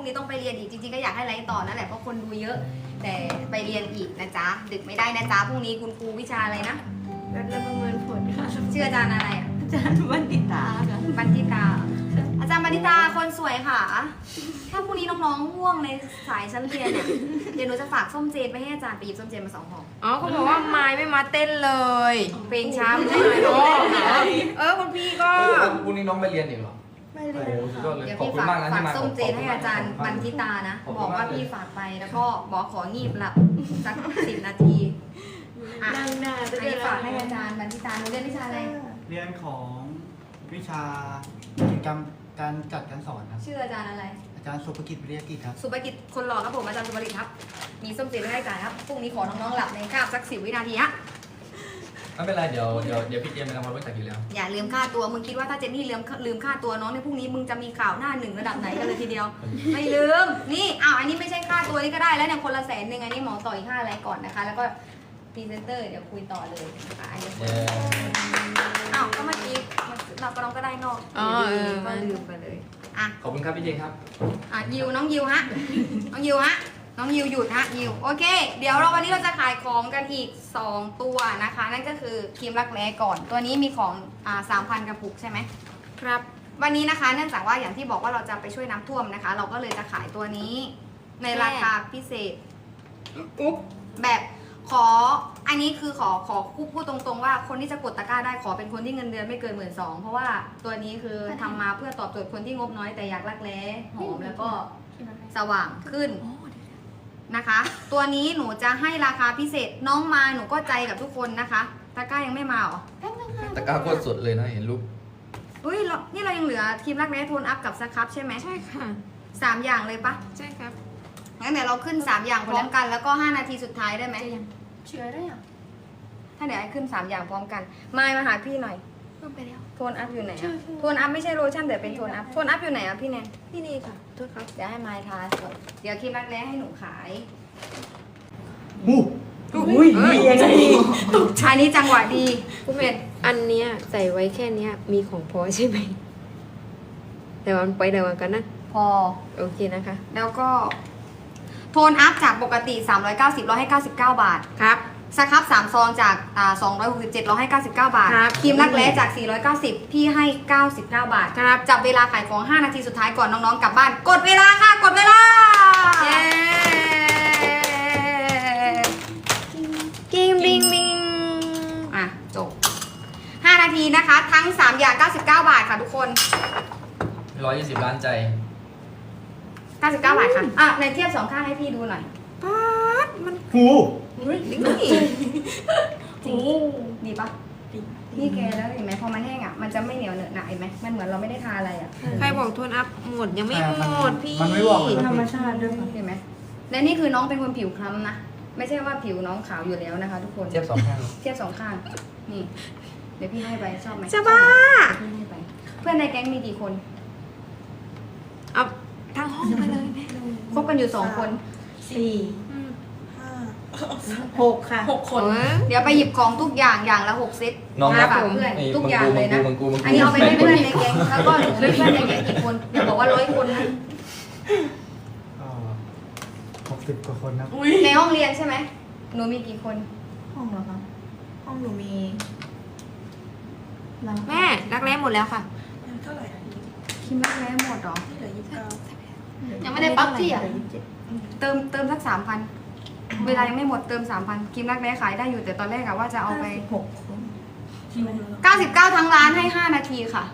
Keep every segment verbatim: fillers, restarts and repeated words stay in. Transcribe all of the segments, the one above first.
งนี้ต้องไปเรียนอีกจริงๆก็อยากให้ไลฟ์ต่อนั่นแหละเพราะคนดูเยอะแต่ไปเรียนอีกนะจ๊ะดึกไม่ได้นะจ๊ะพรุ่งนี้คุณครูวิชาอะไรนะรัฐประเมินผลค่ะชื่ออาจารย์อะไรอ่ะอาจารย์บัณฑิตาค่ะบัณฑิตาอาจารย์บัณฑิตาคนสวยค่ะถ้าพรุ่งนี้น้องๆง่วงในสายชั้นเรียนเนี่ยเดี๋ยวหนูจะฝากส้มเจนไปให้อาจารย์ไปหยิบส้มเจนมาสองห่ออ๋อเขาบอกว่าไม้ไม่มาเต้นเลยเพลงช้าไม่ใช่ไหมน้องเออคุณพี่ก็พรุ่งนี้น้องไปเรียนอีกเหรอไม่เลโอ้ยโหสุดยอดเลยเดี๋ยวขอบพี่คุณฝากมากนะฝาที่กมาส้มเจนให้อาจารย์บัณฑิตานะขอบบคุอกณมากว่าพี่ฝากไปแล้วก็บอกของีบหลับสักสิบนาที อ่ะนั่งหน้าอันนี้ฝากให้อาจารย์บัณฑิตาหนูเรียนวิชาอะไรเรียนของวิชากิจกรรมการจัดการสอนครับชื่ออาจารย์อะไรอาจารย์สุภกิจวิริยกิจครับสุภกิจคนหล่อครับผมอาจารย์สุภกิจครับ มีส้มเจนให้อาจารย์ครับพรุ่งนี้ขอน้องๆหลับในคาบสักสิบวินาทีฮะไม่เป็นไรเดี๋ยวเดี๋ยวเดี๋ยวพี่เจมส์ไปทำความรู้จักอยู่แล้วอย่าลืมค่าตัวมึงคิดว่าถ้าเจนนี่ลืมลืมค่าตัวน้องในพรุ่งนี้มึงจะมีข่าวหน้าหนึ่งระดับไหนกันเลยทีเดียว ไม่ลืมนี่อ้าวอันนี้ไม่ใช่ค่าตัวนี่ก็ได้แล้วเนี่ยคนละแสนหนึ่งอันนี้หมอต่ออีกห้าอะไรก่อนนะคะ แล้วก็พรีเซนเตอร์เดี๋ยวคุยต่อเลยนะคะอันนี้เย้อ้าวก็เมื่อกี้เราก็น้องก็ได้นอกอ๋อเออก็ลืมไปเลยอ่ะขอบคุณครับพี่เจมส์ครับอ่ะยิวน้องยิวฮะน้องยิวฮะน้องยิวหยุดฮะยิวโอเค เดี๋ยวเราวันนี้เราจะขายของกันอีกสองตัวนะคะ นั่นก็คือครีมรักแร้ก่อน ตัวนี้มีของอ่าสามพันกระปุกใช่ไหมครับวันนี้นะคะเนื่องจากว่าอย่างที่บอกว่าเราจะไปช่วยน้ำท่วมนะคะ เราก็เลยจะขายตัวนี้ ในราคาพิเศษอุ๊บแบบขออันนี้คือขอขอพูดตรงๆว่าคนที่จะกดตะกร้าได้ขอเป็นคนที่เงินเดือนไม่เกินหมื่นสองเพราะว่าตัวนี้คือทำมาเพื่อตอบโจทย์คนที่งบน้อยแต่อยากรักแร้หอมแล้วก็สว่างขึ้นนะคะ ตัวนี้หนูจะให้ราคาพิเศษน้องมาหนูก็ใจกับทุกคนนะคะตะกร้ายังไม่มาเหรอตะกร้าโคตรสดเลยนะเห็นรูปอุ้ยเรานี่เรายังเหลือครีมรักแร้โทนอัพกับสครับใช่ไหมใช่ค่ะสามอย่างเลยปะใช่ครับงั้นเดี๋ยวเราขึ้นสามอย่างพร้อมกันแล้วก็ห้านาทีสุดท้ายได้ไหมเชื่อได้ยังถ้าเดี๋ยวให้ขึ้นสามอย่างพร้อมกันมายมาหาพี่หน่อยเพิ่มไปแล้วโทนอัพอยู่ไหนใช่อะใช่โทนอัพไม่ใช่โลชั่นแต่เป็นโทนอัพโทนอัพอยู่ไหนอะพี่แนนที่นี่ค่ะโทษครับเดี๋ยวให้มายทาก่อนเดี๋ยวครีมรักแร้ให้หนูขายอู้อุ้ยยังไงอันนี้จังหวะดีคุณเป็นอันเนี้ยใส่ไว้แค่เนี้ยมีของพอใช่ไหม แต่วันไปเดี๋ยววันกันนะพอโอเคนะคะแล้วก็โทนอัพจากปกติสามร้อยเก้าสิบเราให้เก้าสิบเก้าบาทครับสครับสามซองจากอ่าสองร้อยหกสิบเจ็ดเราให้เก้าสิบเก้าบาทครับครีมรักแร้จากสี่ร้อยเก้าสิบพี่ให้เก้าสิบเก้าบาทครับจับเวลาขายของห้านาทีสุดท้ายก่อนน้องๆกลับบ้าน กดเวลาค่ะ กดเวลาเย้กิ้งบิงบิงอ่ะ จบห้านาทีนะคะ ทั้งสามอย่างเก้าสิบเก้าบาทค่ะทุกคนร้อยยี่สิบล้านใจเก้าสิบเก้าบาทค่ะ อ่ะในเทียบสองข้างให้พี่ดูหน่อยป๊าดมันหูนี่จริงดีปะนี่แกแล้วเห็นไหมพอมันแห้งอ่ะ มันจะไม่เหนียวเหนอะหนะเห็นไหมมันเหมือนเราไม่ได้ทาอะไรอ่ะใครบอกโทนอัพหมดยังไม่หมดพี่มันไม่บอกเลยธรรมชาติด้วยเห็นไหมและนี่คือน้องเป็นคนผิวคล้ำนะ ไม่ใช่ว่าผิวน้องขาวอยู่แล้วนะคะ ทุกคนเทียบสองข้างเทียบสองข้าง นี่ เดี๋ยวพี่ให้ไปชอบไหมจะบ้าเดี๋ยวพี่ให้ไป เพื่อนในแก๊งมีกี่คนเอาทั้งห้องไปเลยแม่คบกันอยู่สองคนสี่ห้าหกค่ะหกคนเออเดี๋ยวไปหยิบของทุกอย่างอย่างละหกเซตน้องมารับฝากเพื่อนไอ้ทุกมึงอย่างกูเลมึยงนะกูมึงกูมึงกูอันนี้เอาไปให้เพื่อนในแก๊งแล้วก็หนูมีเพื่อนในแก๊งกี่คนอย่าบอกว่าร้อยคนนะหกสิบกว่าคนนะในห้องเรียนใช่ไหมหนูมีกี่คนห้องเหรอคะห้องหนูมีแม่รักแร้หมดแล้วค่ะเท่าไหร่อ่ะคิมรักแร้หมดเหรอที่เหลือยี่สิบเก้ายังไม่ได้ปั๊บที่อ่ะเหลืยี่สิบเจ็ดเติมเติมสักสามพันเวลายังไม่หมดเติมสามพันคิมรักแร้ขายได้อยู่แต่ตอนแรกอะว่าจะเอาไปหกคนเก้าสิบเก้าทั้งร้านให้ห้านาทีค่ะ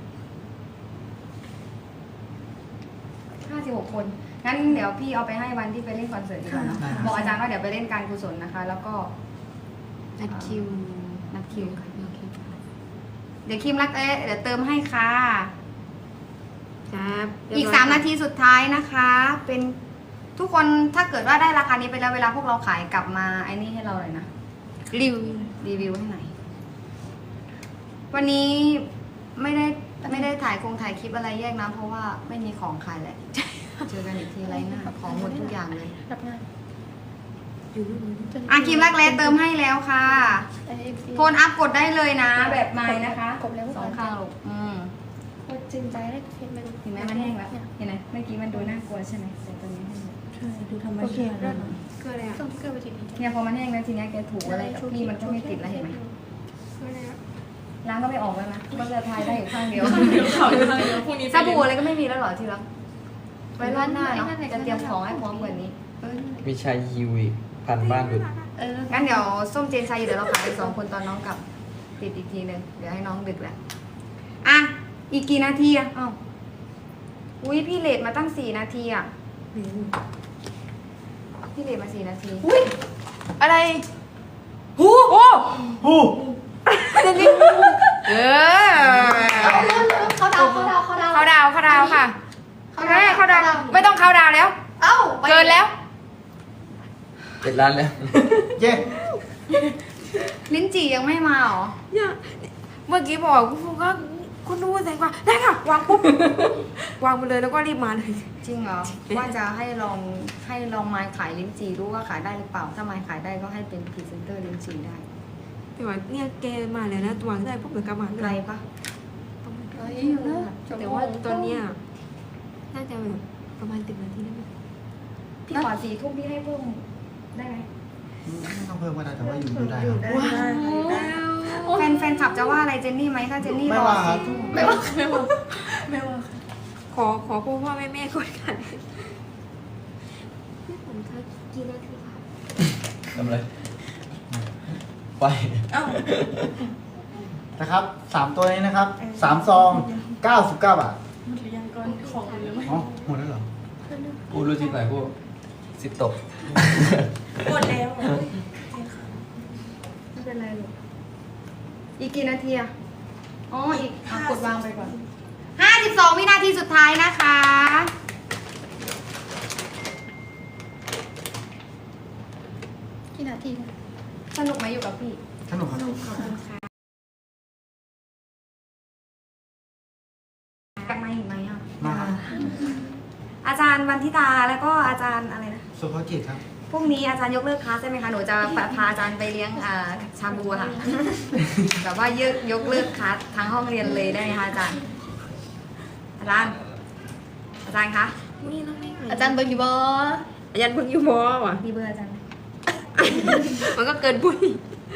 ห้าสิบหกคน งั้นเดี๋ยวพี่เอาไปให้วันที่ไปเล่นคอนเสิร์ตดีกว่าเนอะบอกอาจารย์ว่าเดี๋ยวไปเล่นการกุศลนะคะ แล้วก็นัดคิวนัดคิวค่ะเดี๋ยวคิมรักเอ๊ะเดี๋ยวเติมให้ค่ะครับอีกสามนาทีสุดท้ายนะคะ เป็นทุกคนถ้าเกิดว่าได้ราคานี้ไปแล้วเวลาพวกเราขายกลับมาไอ้นี่ให้เราเลยนะรีวรีวิวให้หน่อยวันนี้ไม่ได้ไม่ได้ถ่ายคงถ่ายคลิปอะไรแยกนะเพราะว่าไม่มีของขายแหละ เจอกันอีกทีไรหน้าของหมดทุกอย่างเลยรับงานอยู่นู่นอาคิมรักแร้เติมให้แล้วค่ะ โทนอัพกดได้เลยนะ แบบไม้นะคะครบแล้วสองข้างลูกอืมโคตรจริงใจได้เห็นไหมเห็นไหมมันแห้งแล้วเห็นไหมเมื่อกี้มันดูน่ากลัวใช่ไหมแต่ตอนนี้แห้งแล้วใช่ดูธรรมโอเคชาติเริ่มเกลืออะไรอ่ะต้องเกลือไปทีนี้เนี่ยพอมันแห้งแล้วทีเนี้ยแกถูอะไรกับพี่มันก็ไม่ติดแล้วเห็นไหมเกลืออะไรอ่ะล้างก็ไม่ออกแล้วนะก็จะทายได้อยู่ข้างเดียวเดี๋ยวเขาจะทำเดี๋ยวพรุ่งนี้สบู่อะไรก็ไม่มีแล้วเหรอทีละไว้รอบหน้าเนาะจะเตรียมของให้พร้อมกว่านี้มีชายฮิวอีกพันบ้านดุดเอองั้นเดี๋ยวส้มเจนชายเดี๋ยวเราขายไปสองคนตอนน้องกลับปิดอีกทีหนึ่งเดี๋ยวให้น้องดึกแหละอ่ะอีกกี่นาทีอ่ะอ้าวอุ้ยพี่เลทมาตั้งสี่นาทีอ่ะพี่เลทมาสี่นาทีอุ้ยอะไรหูโอ้ฮู้เออเขาดาวเขาดาวเขาดาวเขาดาวเขาดาวค่ะเขาเขาดาวดาวเขาดาวไม่ต้องเขาดาวแล้วเอ้าเกินแล้วเจ็ดล้านแล้วเย้ลิ้นจี่ยังไม่มาเหรอเนี่ยเมื่อกี้บอกคุณครูก็คุณดูแสงกว่าได้ค่ะ วางปุ๊บ วางไปเลยแล้วก็รีบมาเลยจริงเหรอ ว่าจะให้ลองให้ลองไม้ขายลิ้นจี่รู้ว่าขายได้หรือเปล่า ถ้าไม้ขายได้ก็ให้เป็นพรีเซนเตอร์ลิ้นจี่ได้แต่ว่าเนี่ยแกมาแล้วนะตัวได้ปุ๊บเดี๋ยวกลับมาเลไกลยปะเฮ้ยอยู่นะแต่ว่าตอนเนี้ยน่าจะแบบประมาณสิบนาทีได้ไหมพี่ขอสี่ทุ่มพี่ให้เพิ่มได้ไหมไม่ต้องเพิ่มก็ได้แต่ว่าอยู่ดูได้อยู่ครับได้แฟนแฟนขับจะว่าอะไรเจนนี่ไหมถ้าเจนนี่ไม่รอว่าครับสี่ทุ่มไม่ว่าไม่ว่าไม่ว่าขอขอพ่อพ่อแม่แม่ก่อนกันพี่ผมเธอกี่นาทีคะทำอะไรไปเอ้านะครับสามตัวนี้นะครับสามซองเก้าสิบเก้าบาทหมดหรือยังก่อนของหรือไม่อ๋อหมดแล้วเหรอกูรู้ที่ไหนกูสิบตกหมดแล้วไม่เป็นไรลูกอีกกี่นาทีอะอ๋ออีกอ่ะกดวางไปก่อนห้าสิบสองวินาทีสุดท้ายนะคะกี่นาทีสนุกไหมอยู่กับพี่สนุกครับกลับมาอีกไหมอ่ะมาครับอาจารย์วันทิตาแล้วก็อาจารย์อะไรนะสุภกิจครับพรุ่งนี้อาจารย์ยกเลิกคลาสใช่ไหมคะ หนูจะพาอาจารย์ไปเลี้ยงอ่าชาบูอะค่ะ แบบว่ายกยกเลิกคลาสทั้งห้องเรียนเลยได้ไหมคะอาจารย์ อาจารย์ อาจารย์คะนี่น้องไม่อาจารย์เบิร์กอยู่บ่อาจารย์เพิ่งอยู่มอว่ะมีเบอร์อาจารย์ไหมมันก็เกินปุ้ย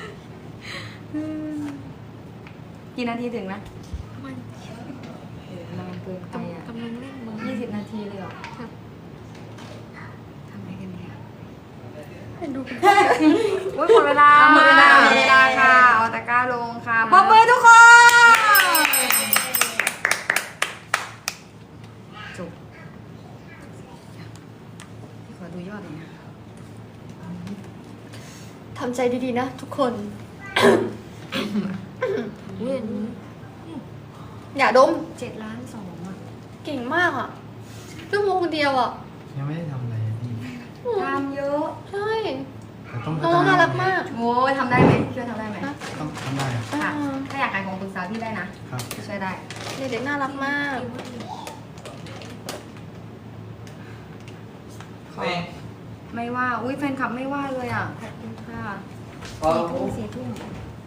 กี่นาทีถึงนะประมาณนานเกินไปอ่ะกำลังเล่นมือยี่สิบนาทีเลยเหรอครับทำไงกันเนี่ยเป็นดูโอ้ยหมดเวลาหมดเวลาหมดเวลาค่ะเอาตะกร้าลงค่ะปรบมือทุกคนจบพี่ขอดูยอดหน่อยนะทำใจดีๆนะทุกคนเว้ยอันนี้อย่าดมเจ็ดล้านสองอ่ะเก่งมากอ่ะชั่วโมงเดียวอ่ะยังไม่ได้ทำอะไรอะพี่ทำเยอะใช่แต่ต้องพัน้ฒองนาน่ารักมากโอ้ยทำได้ไหมช่วยทำได้ไหมต้องทำได้ครับค่ะอ่าถ้าอยากขายของปรึกษาพี่ได้นะครับ ช่วยได้เด็กๆน่ารักมากขอไม่ว่า อุ้ยแฟนคลับไม่ว่าเลยอ่ะ ขอบคุณค่ะพอสี่ทุ่มสี่ทุ่ม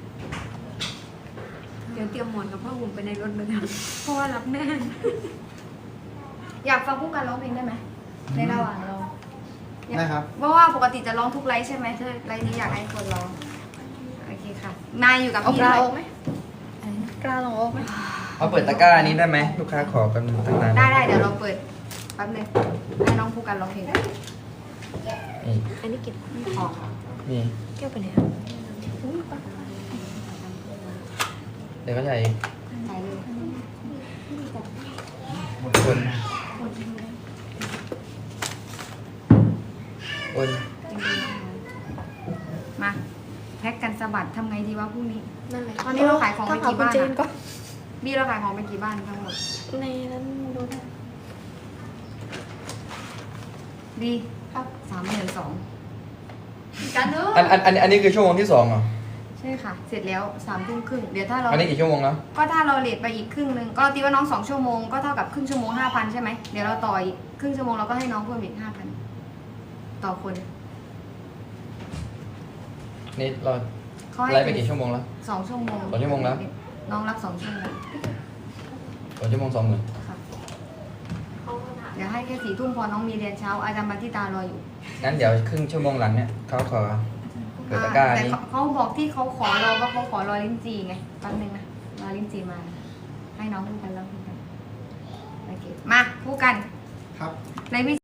เดี๋ยวเตรียมหมอนกับผ้าห่มไปในรถเลยนะเพราะว่ารับแน่นอยากฟังผู้การร้องเพลงได้ไหมในระหว่างเราได้ครับเพราะว่าปกติจะร้องทุกไลฟ์ใช่ไหมไลฟ์นี้อยากให้คนร้อง โอเคค่ะ มาอยู่กับเอาพี่กด้ลาวยออกไหมกลาลองออกไหมเอาเปิดตะกร้านี้ได้ไหมลูกค้าขอกันตั้งนานได้ได้เดี๋ยวเราเปิดแป๊บนึงให้น้องผู้การร้องเพลงนี่อันนี้กินขอนี่แก้วไปไหนอ่ะเดี๋ยวก็ใส่ใส่เลยคนคนมาแพ็กกันสะบัดทำไงดีวะพรุ่งนี้นั่นแหละตอนนี้เราขายของไปกี่บ้านอะถ้เอคุณเจนก็บี้เราขายของไปกี่บ้านทั้งหมดในนั้นดูได้ดีครับสามหมื่นสองกันเนอะอันอันอันอันนี้คือชั่วโมงที่สองเหรอใช่ค่ะ เสร็จแล้วสามทุ่มครึ่งเดี๋ยวถ้าเราอันนี้กี่ชั่วโมงแล้วก็ถ้าเราเลทไปอีกครึ่งหนึ่งก็ตีว่าน้องสองชั่วโมงก็เท่ากับครึ่งชั่วโมงห้าพันใช่ไหมเดี๋ยวเราต่ออีกครึ่งชั่วโมงเราก็ให้น้องเพิ่มอีกห้าพันต่อคนนี่เราเขาให้ไลฟ์ไปกี่ชั่วโมงแล้วสองชั่วโมงสองชั่วโมงแล้วน้องรับสองชั่วโมงสองชั่วโมงสองหมื่นค่ะเดี๋ยวให้แค่สี่ทุ่มพอน้องมีเรียนเช้าอาจารย์มาที่ตารออยู่งั้นเดี๋ยวครึ่งชั่วโมงหลังเนี่ยเขาขอเปิดตะกร้าแต่นี้เขาเขาบอกที่เขาขอเราว่าเขาขอรอลิ้นจีไงแป๊บนึงนะรอลิ้นจีมา ให้น้องพูดกันแล้วพูดกันโอเคมาพูดกันครับในวิ